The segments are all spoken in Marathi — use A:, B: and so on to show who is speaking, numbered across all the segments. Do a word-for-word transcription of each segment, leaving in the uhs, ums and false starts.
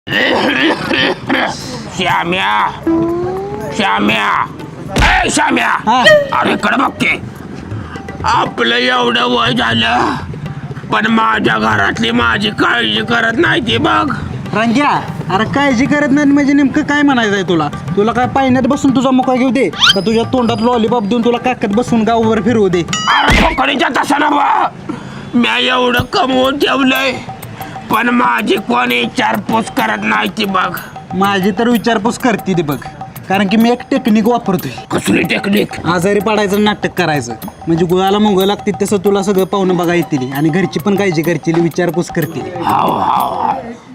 A: श्याम्या श्याम्या ए श्याम्या अरे कडे बघ की आपलं एवढं वय झालं पण माझ्या घरातली माझी काळजी करत नाही ती बघ.
B: रंग्या अरे काळजी करत नाही म्हणजे नेमकं काय म्हणायचं आहे तुला? तुला काय पाण्यात बसून तुझा मुका घेऊ दे का तुझ्या तोंडात लॉलीपॉप देऊन तुला काकत बसून गावभर फिरवू दे?
A: अरे खोकडीच्या तसं ना बा मी एवढं कमवून ठेवलंय पण माझी कोणी विचारपूस करत नाही ती बघ.
B: माझी तर विचारपूस करते ती बघ, कारण की मी एक टेक्निक वापरतोय.
A: कसली टेक्निक?
B: आजारी पडायचं नाटक करायचं म्हणजे गुळाला मुंग लागतील तसं तुला सगळं पाहुणं बघा येतील आणि घरची पण काळजी करतील, विचारपूस करतील.
A: हाव हाव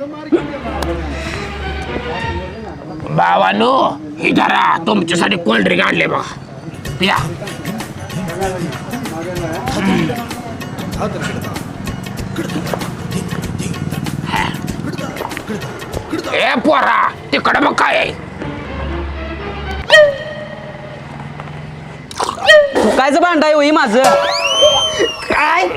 A: बाबांनो ही जरा तुमच्यासाठी कोल्ड्रिंक आणले बघा पिया. ए पोरा तिकडं मग काय आहे?
C: कायचं भांडाय होई माझं
A: काय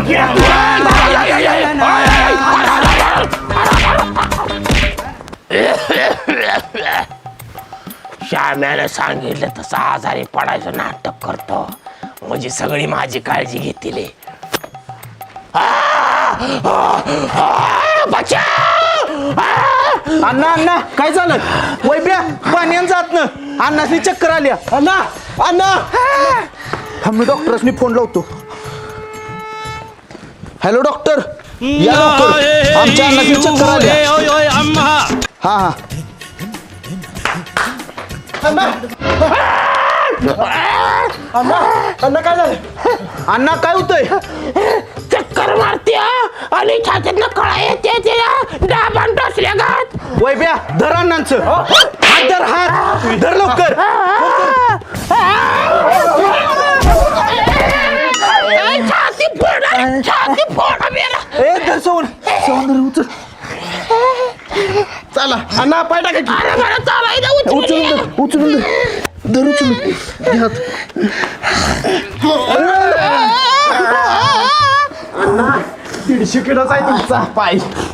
A: श्याम्याने सांगितलं तसं आजारी पडायचं नाटक करतो म्हणजे सगळी माझी काळजी घेतील.
C: अण्णा अण्णा काय झालं? वैब्या पाण्यान जात ना अण्णासनी चक्कर आल्या. अण्णा अण्णा मी डॉक्टरसनी फोन लावतो. हॅलो डॉक्टर या लवकर आमच्या अण्णासनी चक्कर आल्या. हा हा अण्णा अण्णा अण्णा काय झालं? अण्णा काय होतंय?
A: चक्कर मारते आणि छातीतनं कळा येते तिला डाबान टोचल्या गात.
C: वैब्या धर अण्णांचं हात धर हात धर लवकर.
A: छाती फोडा छाती फोडा मेला.
C: ए धर सोन सोन धर उचल. चला अण्णा पाय टाका की.
A: अरे मला चालायचं
C: उचलून धर उचलून धर धर उचलून घे हात. दीडशे किलोचा आहे तुमचा पाय.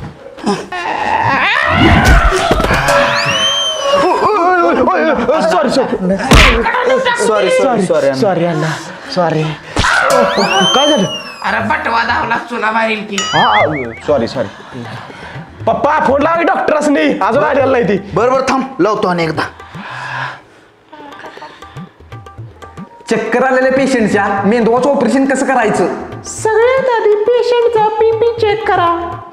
C: Sorry sorry sorry sorry sorry Anna sorry. काय झालं?
A: अरे बटवा धावला चुना मारील की.
C: हा सॉरी सॉरी. पप्पा फोन लावा डॉक्टरसनी अजून आलेला नाही ती. बरोबर थांब लावतो आणि एकदा.
D: चक्कर आलेल्या पेशंटच्या मेंदवाचं ऑपरेशन कसं करायचं?
A: सगळ्यात आधी पेशंटचा बीपी चेक करा.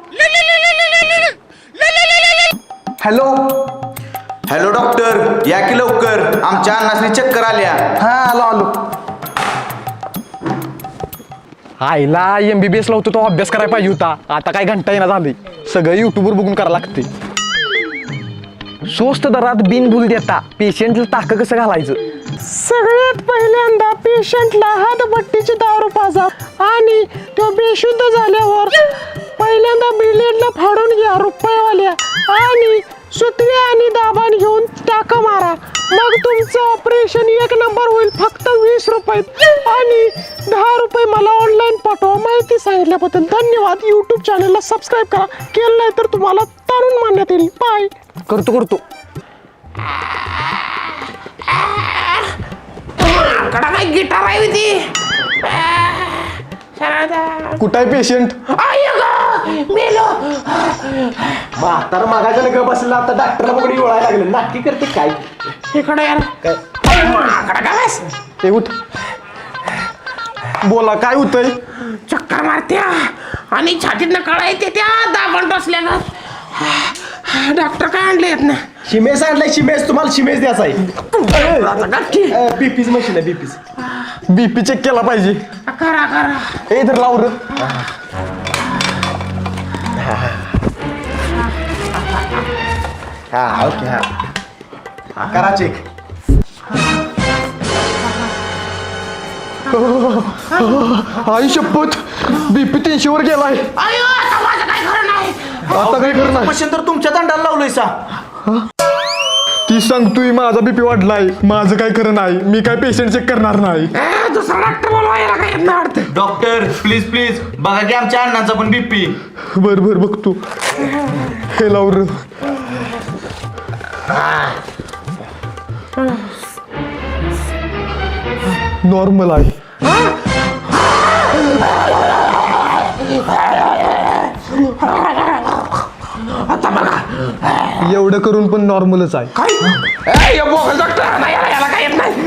D: हॅलो
C: हॅलो डॉक्टर या की लवकर आमच्या अण्णासनी चक्कर आल्या.
D: हा आलो आलो. आईला एमबीबीएस ला होतो तो अभ्यास करायला पाहिजे होता. आता काय घंटा येणार झाली. सगळं युट्यूबवर बघून करायला लागते. स्वस्त दरात बिनभूल देता पेशंटला टाकं कसं घालायचं?
A: सगळ्यात पहिल्यांदा पेशंटला हातभट्टीची दारू पाजा आणि तो बेशुद्ध झाल्यावर पहिल्यांदा बिलेटला फाडून घ्या रुपयेवाल्या आणि सुतळी आणि दाबान घेऊन टाका मारा. मग तुमचं ऑपरेशन एक नंबर होईल. फक्त वीस रुपये आणि दहा रुपये मला ऑनलाईन पाठवा. माहिती सांगितल्याबद्दल धन्यवाद. यूट्यूब चॅनलला सबस्क्राईब करा. केलं नाही तर तुम्हाला तारून मानण्यात येईल. बाय.
D: करतो करतो.
A: कडा काय गिटार आहे होती.
D: कुठं आहे पेशंट?
A: मेलो.
C: म्हातारा मागायचं ग बसला आता डॉक्टरला बघडी ओळायला लागलं. नाटकी करते काय?
A: इकडे यार
C: काय
A: काय
D: ते उठ बोला काय होतंय?
A: चक्कर मारत्या आणि छातीतनं कळा येते त्या दाबण टोचल्या का. डॉक्टर काय आणले आहेत ना?
C: शिमेस आणलाय शिमेस. तुम्हाला शिमेस द्यायचा आहे. बीपीच मशीन आहे बीपीच.
D: बीपी चेक केला पाहिजे.
A: करा करा.
D: ए धर लावर.
C: हा ओके हा करा चेक.
D: आई शपथ बीपी तीनशे वर गेलाय.
A: अयो आता माझं काय खरं नाही.
D: आता काय करणार?
C: मशीन तर तुमच्या दंडाला लावलंय सा.
D: ती सांगतोय माझा बीपी वाढलाय, माझं काय खरं नाही, मी काय पेशंट चेक करणार नाही.
A: दुसरा डॉक्टर बोलवायला काय येत नाही वाटतं.
C: डॉक्टर प्लीज प्लीज बघा की आमच्या अण्णाचा पण बीपी.
D: बर बर बघतो. हे लावर नॉर्मल आहे.
A: आता बघा
D: एवढं करून पण नॉर्मलच आहे.
A: काय डॉक्टर नाही याला याला काय येत नाही.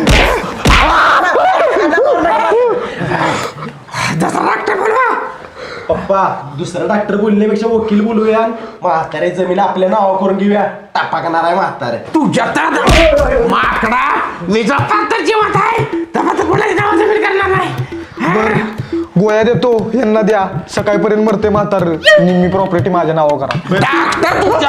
A: दुसरा डॉक्टर बोलवा.
B: पप्पा दुसरा डॉक्टर बोलण्यापेक्षा वकील बोलूया. म्हातारे जमीन आपल्या नावा करून घेऊया. टापा करणार आहे म्हातारे.
A: तुझ्या तर माकडा मी जपा तर जिवंत आहे तेव्हा तर कोणाची नाव जमीन करणार नाही.
D: गोळ्या देतो यांना द्या, सकाळपर्यंत मरते म्हातार. निम्मी प्रॉपर्टी माझ्या नावावर करा.
A: डॉक्टर तुझ्या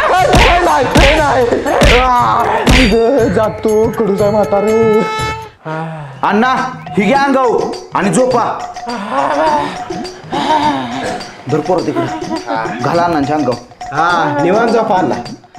D: जातो कडूच आहे म्हातार.
C: अण्णा ही घ्या अंगाऊ आणि झोपा. भरपूर तिकडे घाला अण्णांच्या अंगाऊ.
B: हा निवांत जा पाहला.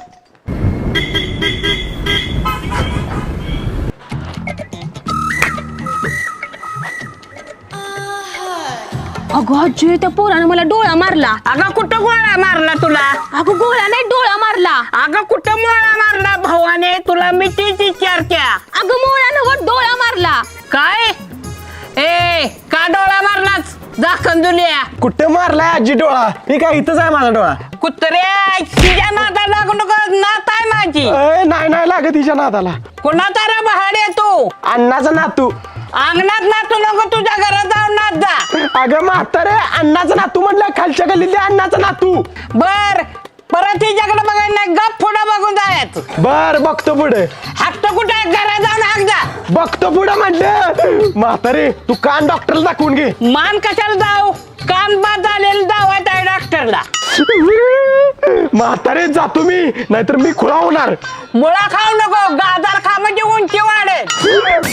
E: अगं आजी त्या पोरानं मला डोळा मारला.
F: अगं कुठं गोळा मारला तुला?
E: अगं गोळा नाही डोळा मारला.
F: अगं कुठं मोळा मारला भावाने तुला? मिठीची चर्चा.
E: अगं मोळ्यानं डोळा मारला.
F: काय ए का डोळा मारलाच? दाखन दुलिया
B: कुठे मारलाय आजी डोळा? मी काय इथंच आहे माझा डोळा.
F: कुत्र्या तिच्या नाता लागू नको. नात आहे माझी.
B: नाही नाही लागत तिच्या नाताला.
F: कुणाचा रे बहाडे तू?
B: अण्णाचा नातू.
F: अंगणात नातू नको, तुझ्या घरात जाऊन नात जा.
B: अगं म्हातारे अण्णाचा नातू म्हटलं, खालच्या गल्लीतल्या अण्णाचा नातू.
F: बर परत हिच्याकडे बघायला नाही, गप पुढं बघून जायचं.
B: बर बघतो पुढे.
F: हात कुठे घरात जाऊन हाक जा.
B: बघतो पुढे म्हटलं. म्हातारे तू कान डॉक्टरला दाखवून घे.
F: मान कशाला जाऊ? कान बाद झालेलं दावायचं आहे डॉक्टरला.
B: म्हातारे जातो मी, नाहीतर मी खुळा होणार.
F: मुळा खाऊ नको, गाजर खा म्हणजे उंची वाढेल.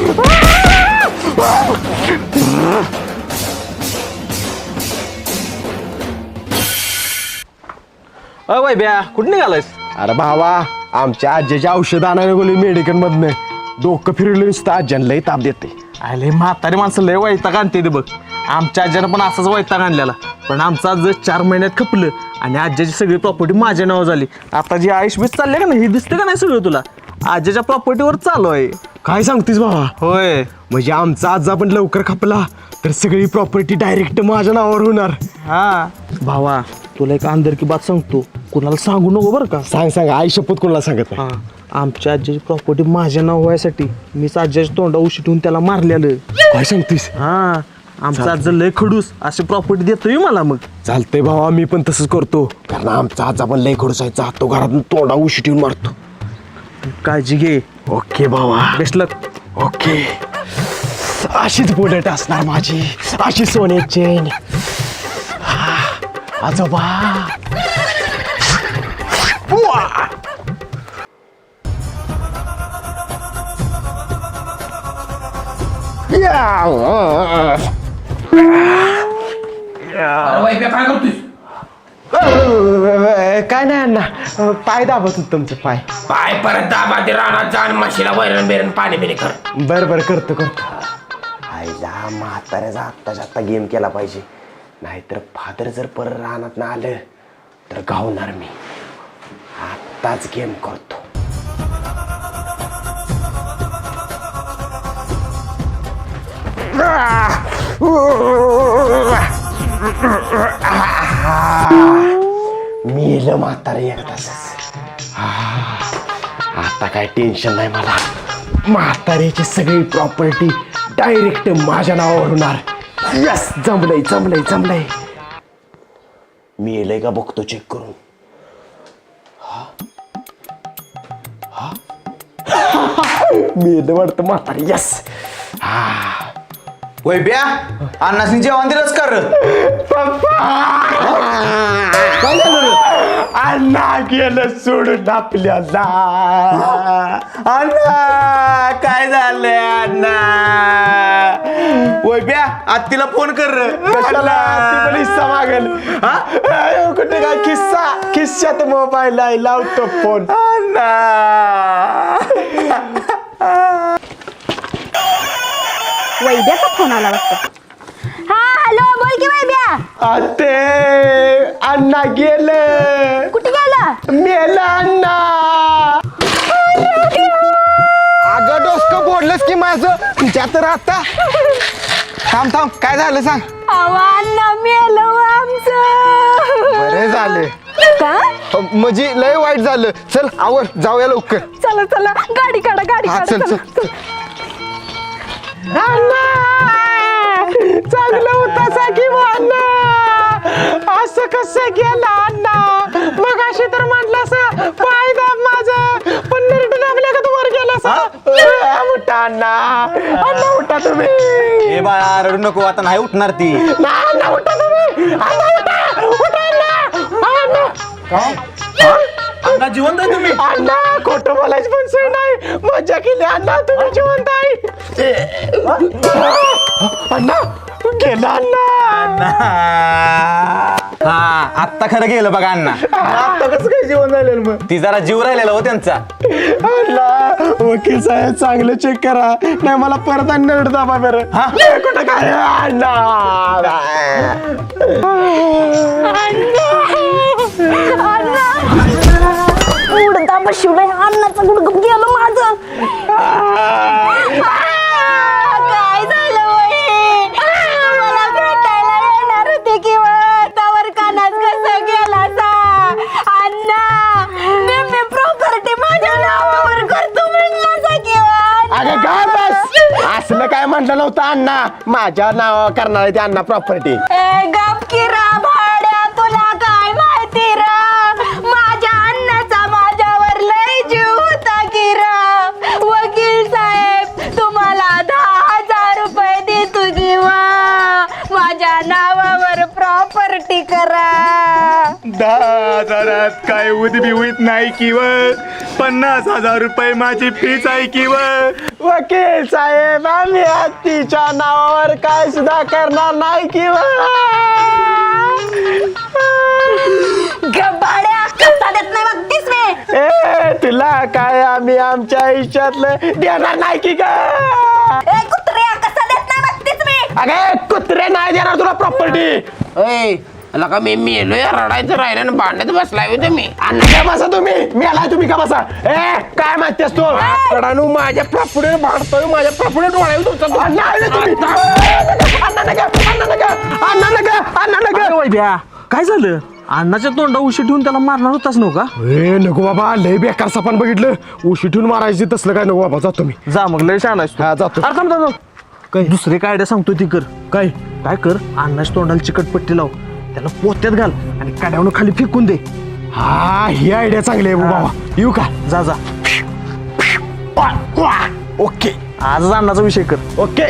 B: अय ब्या कुठे निघालायस? अरे भावा आमच्या आजीच्या औषध आणायला गेलो मेडिकल मधनं. डोकं फिरलं नुसतं आज्यानं लय ताप देते.
C: अरे म्हातारी माणसं लय वैताग आणते ते बघ. आमच्या आज्यानं पण असाच वैताग आणलेला, पण आमचं आज चार महिन्यात खपलं आणि आज्याची सगळी प्रॉपर्टी माझ्या नावावर झाली. आता जी आयुष बीस चालले का नाही, हे दिसते का नाही सगळं तुला? आज्याच्या प्रॉपर्टीवर चालू आहे.
B: काय सांगतेस भावा?
C: होय
B: म्हणजे आमचा आजा पण लवकर खपला तर सगळी प्रॉपर्टी डायरेक्ट माझ्या नावावर होणार.
C: हा भावा तुला एक अंदर की बात सांगतो, कुणाला सांगू नको बरं का.
B: सांग सांग, आई शपथ कोणाला सांगत नाही.
C: हा आमच्या आजीची प्रॉपर्टी माझ्या नाव व्हायसाठी मीच आज्याच्या तोंडा उशी ठेवून त्याला मारलेलं.
B: काय सांगतेस?
C: हा आमचा आजा लय खडूस अशी प्रॉपर्टी देतोय मला. मग
B: चालतंय भावा, मी पण तसंच करतो, कारण आमचा आजा पण लय खडूस आहे. जातो घरातून तोंडा उशी ठेवून मारतो.
C: काळजी घे.
B: ओके भावा.
C: Best luck.
B: ओके. अशीच बुलेट असणार माझी, अशी सोन्याची चेन. आजोबा उआ! या! काय नाही अण्णा, पाय दाबत होत तुमचं पाय.
A: पाय परत दाबा ते रानात जाण म्हशीला वैरण बेरण पाणी बिणी कर.
B: बर बर करतो करतो. आईला म्हाताऱ्याचा आत्ताच्या आत्ता गेम केला पाहिजे, नाहीतर फादर जर परत रानात ना आलं तर गावणार मी. आत्ताच गेम करतो. मेलं म्हातारे एक तासच. आता काय टेन्शन नाही मला. म्हाताऱ्याची सगळी प्रॉपर्टी डायरेक्ट माझ्या नावावर होणार. यस, जमलंय जमलंय जमलंय. मेलंय का बघतो चेक करून. मेलं वाटतं म्हातारी. यस. हा
G: वैब्या अण्णासनी जेवण दिलंच कर
B: काय झालं अण्णा गेलं सोडून आपल्याला
G: अण्णा काय झालंय अण्णा वैब्या आत्तीला फोन कर
B: कशाला ती पण हिस्सा मागेल हा अयो, कुठे काय किस्सा किस्सात मोबाईल आहे लावतो फोन
G: अण्णा
E: वैद्याचा फोन आला वाटतं. हा हॅलो बोल की वैद्या.
B: आते अण्णा गेलं
E: कुठे गेला?
B: मेला अण्णा
D: अगं डोसकं बोललंस की माझं तुझ्या तर आता थांब थांब काय झालं सांग.
E: अण्णा मेलो आमचं.
D: बरे झाले
E: का?
D: म्हणजे लय वाईट झालं. चल आवर जाऊया लवकर.
E: चला चला गाडी काढा गाडी
D: हा
E: काढा
D: चल
E: चला.
D: चल
B: अण्णा चांगलं होता साकी अण्णा असं कसं गेला अण्णा मग अशी तर म्हटलं असं पाय दाब माझं पण नरट दाबल्या का तू वर गेला असा उठा अण्णा अण्णा उठा तुम्ही
G: ए बाळा रडू नको आता नाही उठणार ती
B: ना अण्णा उठा तुम्ही अण्णा उठा उठा अण्णा अण्णा
G: अण्णा जिवंत आहे तुम्ही
B: अण्णा खोटं बोलायची पण सोय नाही मजा केली अण्णा तुम्ही जिवंत आहे अण्णा गेला अण्णा
G: हा आत्ता खरं गेलं बघा अण्णा
B: आता कसं काय जीवन झालेलं मग
G: ती जरा जीव राहिलेला हो त्यांचा
B: अण्णा वकील साहेब चांगलं चेक करा नाही मला परत आणि नरड दाबा बरं हा कुठं काय अण्णा
E: उडता बशिवलंय अन्नाचं गुडगुप गेलं माझं. काय झालं वही मला भेटायला येणार होते किंवा त्यावर कानात कसं गेला सा अण्णा मी मी प्रॉपर्टी माझ्या नावावर करतो म्हणला सा किंवा
B: अगं काय बस असलं काय म्हटलं नव्हतं अण्णा माझ्या नाव करणार आहे ते अण्णा प्रॉपर्टी
E: गप किरा भाड्या तुला काय माहिती रा माझ्या अन्नाचा माझ्यावर लय जीव होता किरा वकील साहेब तुम्हाला दहा हजार रुपये देतो किंवा माझ्या नावावर प्रॉपर्टी करा.
G: दहा हजारात काय उदबी होत नाही किंवा पन्नास हजार रुपये माझी फीच आहे किंवा
B: वकील साहेब आम्ही हत्तीच्या नावावर काय सुद्धा करणार नाही किंवा
E: गबाड्या कसा देत नाही बघतीस मी.
B: ए तुला काय आम्ही आमच्या आयुष्यातलं देणार नाही की का
E: ए कुत्र्या कसा देत नाही बघतीस मी.
B: अगे कुत्रे नाही देणार तुला प्रॉपर्टी
F: ए लका मी मेलोय रडायचं राहिलं ना भांडत बसलाय हो तुम्ही
B: अण्णा काय बसा तुम्ही मी आलाय तुम्ही का बसा ए काय माहिती असतो
F: रडानू माझ्या प्रॉपर्टीवर भांडतोय माझ्या प्रॉपर्टीवर डोळ्यावर तुमचा
B: अण्णा आले तुम्ही अण्णा नका अण्णा नका अण्णा नका अण्णा नका
C: अरे वैद्या काय झालं अण्णाच्या तोंडा उशी ठेवून त्याला मारणार होताच नव्ह का.
B: ए नको बाबा लय बेकार सपान बघितलं उशी ठेवून मारायची तसलं काय नको बाबा जातो मी
C: जा मग लय छान आहेस तू.
B: हा, जातो.
C: अरे थांब थांब थांब. काय दुसरे काय आयडिया सांगतो ती कर काय काय कर अण्णाच्या तोंडाला चिकटपट्टी लाव त्याला पोत्यात घाल आणि काड्यावरून खाली फेकून दे.
B: हा ही आयडिया चांगली आहे बाबा येऊ का
C: जा जा
B: ओके
C: आजच अण्णाचा विषय कर.
B: ओके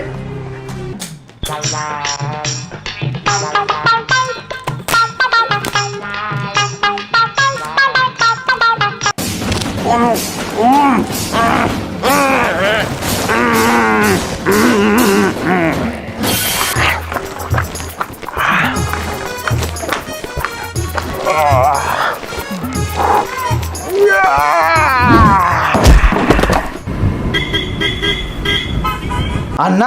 G: अण्णा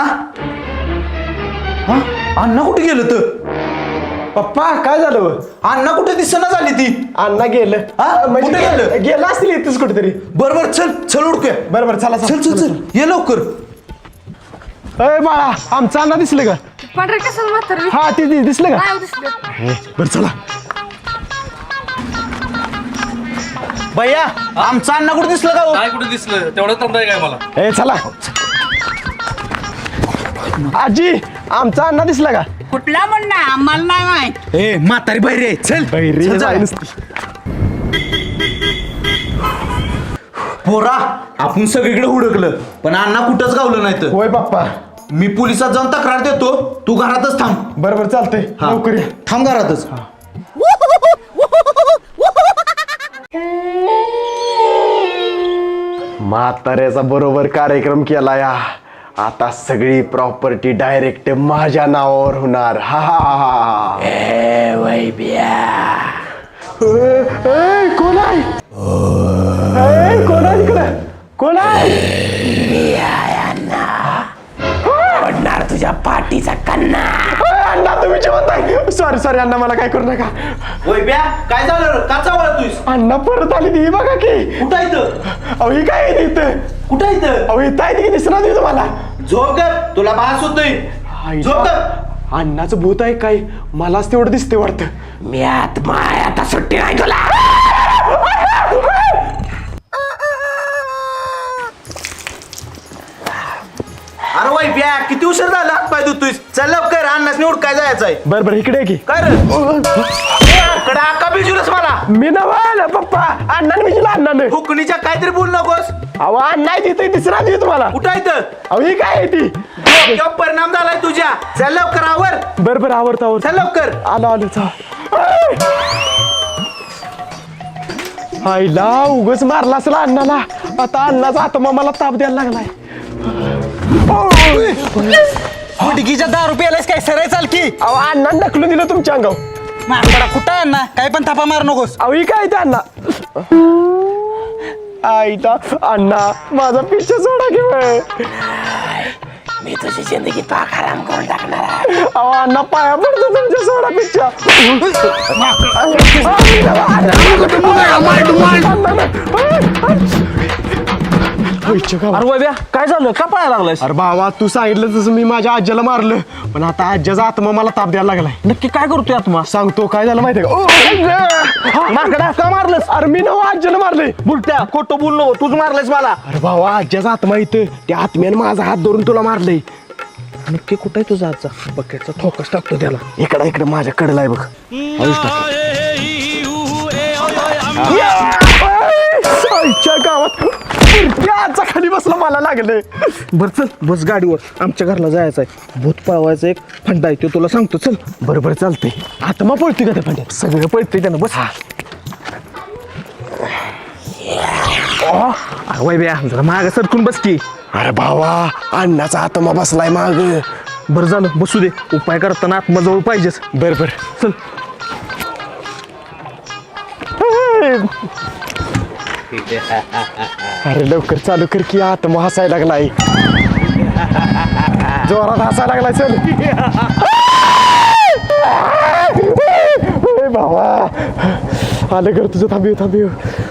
G: हा अण्णा कुठे गेलं तर
B: पप्पा काय झालं
G: अण्णा कुठे दिसना झाली ती
B: अण्णा गेलं
G: हा?
B: म्हणजे
G: कुठे गेलं?
B: गेलं असतील इथंच कुठेतरी
G: बर बर चल चल उडकूया
B: बरं बरं चला
G: चल चल चल ये लवकर
B: अय बाळा आमचं अण्णा दिसलं का
E: पांढरे कसं म्हातारं
B: हा ते ते दिसलं का
E: काय दिसलं.
B: बरं चला
G: भैया आमचा अण्णा कुठे दिसलं का हो?
H: काय कुठे दिसलं तेवढं तंडाय काय मला
B: ए चला आजी आमचा अण्णा दिसला का
F: कुठला म्हणणं आम्हाला नाही माहित
G: ए म्हातारी बहिरी आहे चल
B: बहिरी
G: चल, चल. पोरा आपण सगळीकडे हुडकलं पण अण्णा कुठंच गावलं नाही तर
B: होय पप्पा
C: मी पोलिसात जाऊन तक्रार देतो, तू घरातच थांब.
D: बरं बरं चालतंय लवकर या.
C: थांब घरातच.
B: म्हाताऱ्याचा बरोबर कार्यक्रम केला या. आता सगळी प्रॉपर्टी डायरेक्ट माझ्या नावावर होणार. हा हा ए वैब्या. कोण आहे? ए, कोण आहे इकडे? कोण आहे? मी आहे अण्णा. पडणार तुझ्या पाठीचा कन्ना. अण्णा तुम्ही जेवत आहे. सॉरी सॉरी अण्णा, मला काय करू नका.
C: वैब्या काय झालं? का चावला तुझ?
B: अण्णा परत आली ती बघा की.
C: कुठं इथं?
B: अहो ही काय आहे इथं?
C: कुठं इथं?
B: अहो इथं आहे ती दिसणार नाही तुम्हाला?
C: झोप कर, तुला भास होतोय. झोप कर.
B: अण्णाचं भूत आहे काय? मलाच तेवढं दिसते वाटतं. मी आत्मा आहे, आता सुट्टी नाही तुला.
C: अरे वैब्या किती उशीर झाला? हात पाय धुतोय. चल लवकर, अण्णासनी उडकाय जायचंय.
B: बरं बरं इकडे की.
C: काय रे? कडा का बिजूलस मला?
B: मी नवा पप्पा. अण्णाने मी तुला अण्णाने.
C: फुकणीच्या काहीतरी बोल नकोस.
B: अहो अण्णा तिथे दिसणार नाही तुम्हाला?
C: कुठं इथं?
B: अहो ही काय आहे ती?
C: डोक्यावर परिणाम झालाय तुझ्या. चल लवकर आवर.
B: बरं बरं आवडतं आवडतं.
C: चल लवकर.
B: आलो आलो चा. आईला उगच मारला असला अण्णाला. आता अण्णाचा आत्मा मला ताप द्यायला लागलाय.
C: हुडकीच्या दारू प्यायलास काय? सरळ चाल की.
B: अहो अण्णा ढकलून दिलं तुमच्या अंगावर.
C: माकडा कुठं आहे अण्णा? काय पण थापा मार नकोस.
B: अहो ही काय ते अण्णा? आईला अण्णा माझा पिच्छा सोडा की. मी तुझी जिंदगी पाक हराम करून टाकणार. अहो अण्णा पाया पडतो तुमच्या सोडा पिच्छा.
C: अरे वैब्या काय झालं? का पळायला लागलास?
B: अरे बाबा तू सांगितलं तसं मी माझ्या आज्याला मारलं, पण आता आज्याचा आत्मा मला ताप द्यायला लागलाय.
C: नक्की काय करतोय आत्मा?
B: सांगतो काय झालं माहितीये का?
C: माकडा का मारलंस?
B: अरे मी नव आज्याला मारले.
C: बुलट्या खोटं बोल नको, तूच मारलंस मला.
B: अरे भावा आज्याचा आत्मा इथं, त्या आत्म्याने माझा हात धरून तुला मारलंय.
C: नक्की कुठं आहे तुझा आजचा? बकेटचा ठोकस टाकतो त्याला.
B: इकडं इकडं माझ्या कडला आहे बघ. आईच्या गावात आजचा खाली बसला मला लागले.
C: बर चल बस गाडीवर, आमच्या घरला जायचं आहे. भूत पळवायचं एक फंडा आहे, ते तुला सांगतो. चल.
B: बरोबर चालतंय. आत्मा पळतोय का त्या पाण्यात?
C: सगळं पळतंय त्यानं. बस. वय बया जरा माग सरकून बस की.
B: अरे भावा अण्णाचा आत्मा बसलाय माग.
C: बरं झालं बसू दे. उपाय करताना आत्माजवळ पाहिजेच.
B: बर बर
C: चल.
B: अरे लवकर चालू कर की, आत्मा हसायला लागलाय. जोरात हसायला लागलाय. चल ए भावा आलं कर तुझं. थांबिव थांबिव.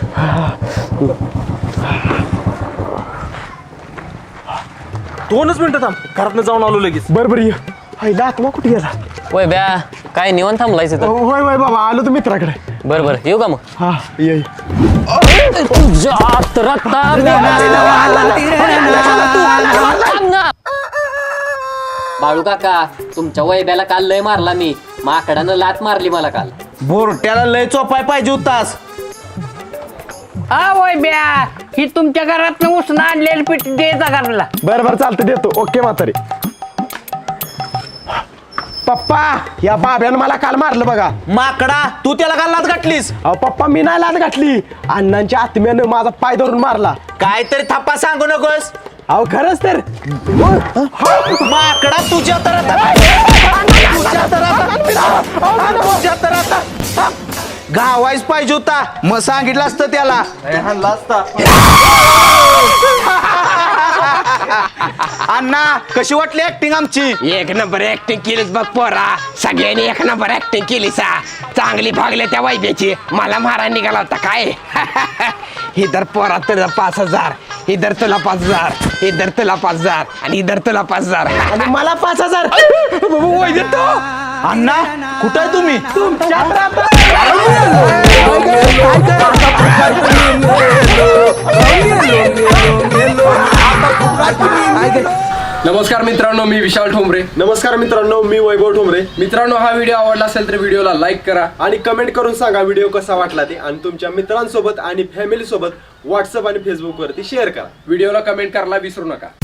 C: दोनच मिनिटं थांब, घरातनं जाऊन आलो लगेच.
B: बर बर ये. आईला आत्मा कुठे गेला?
I: वय ब्या काय निवांत थांबलायच तर.
B: होय होय बाबा आलो तू मित्राकडे.
I: बरं बरं येऊ का मग?
B: हा ये.
I: जात रत्ता बाळू काका तुमच्या वैब्याला काल लय मारला मी. माकडानं लात मारली मला काल.
C: बोरट्याला लय चोपाय पाहिजे होतास.
F: हा वैब्या, ही तुमच्या घरात उसणं आणलेली पीठ द्यायचा घराला.
B: बर बर चालतं देतो. ओके म्हातारे. पप्पा या बाब्यानं मला काल मारलं बघा.
C: माकडा तू त्याला का लात गाठलीस?
B: अहो पप्पा मी नाही लाद घातली, अण्णांच्या आत्म्यानं माझा पाय धरून मारला.
C: काहीतरी थप्पा सांगू नकोस.
B: अहो खरंच तर.
C: माकडा तुझ्या तर आता तुझ्या तर आता तुझ्या तर आता गावायच पाहिजे होता. मग सांगितलं असतं त्याला. अण्णा कशी वाटली ऍक्टिंग आमची?
A: एक नंबर ऍक्टिंग केलीस बघ पोरा. सगळ्यांनी एक नंबर ऍक्टिंग केली सा. चांगली भागले त्या वैद्याची. मला मारा निघाला होता काय. इधर पोरा तुला पाच हजार, इधर तुला पाच हजार, इधर तुला पाच हजार आणि इधर तुला पाच हजार
B: आणि मला पाच हजार.
C: अण्णा कुठं आहे तुम्ही?
J: नमस्कार मित्रांनो, मी विशाल ठोंबरे.
B: नमस्कार मित्रांनो, मी वैभव ठोंबरे.
J: मित्रांनो, हा व्हिडिओ आवडला असेल तर व्हिडिओला लाईक करा
B: आणि कमेंट करून सांगा व्हिडिओ कसा वाटला ते, आणि तुमच्या मित्रांसोबत आणि फॅमिली सोबत व्हॉट्सअप आणि फेसबुक वरती शेअर करा.
J: व्हिडिओला कमेंट करायला विसरू नका.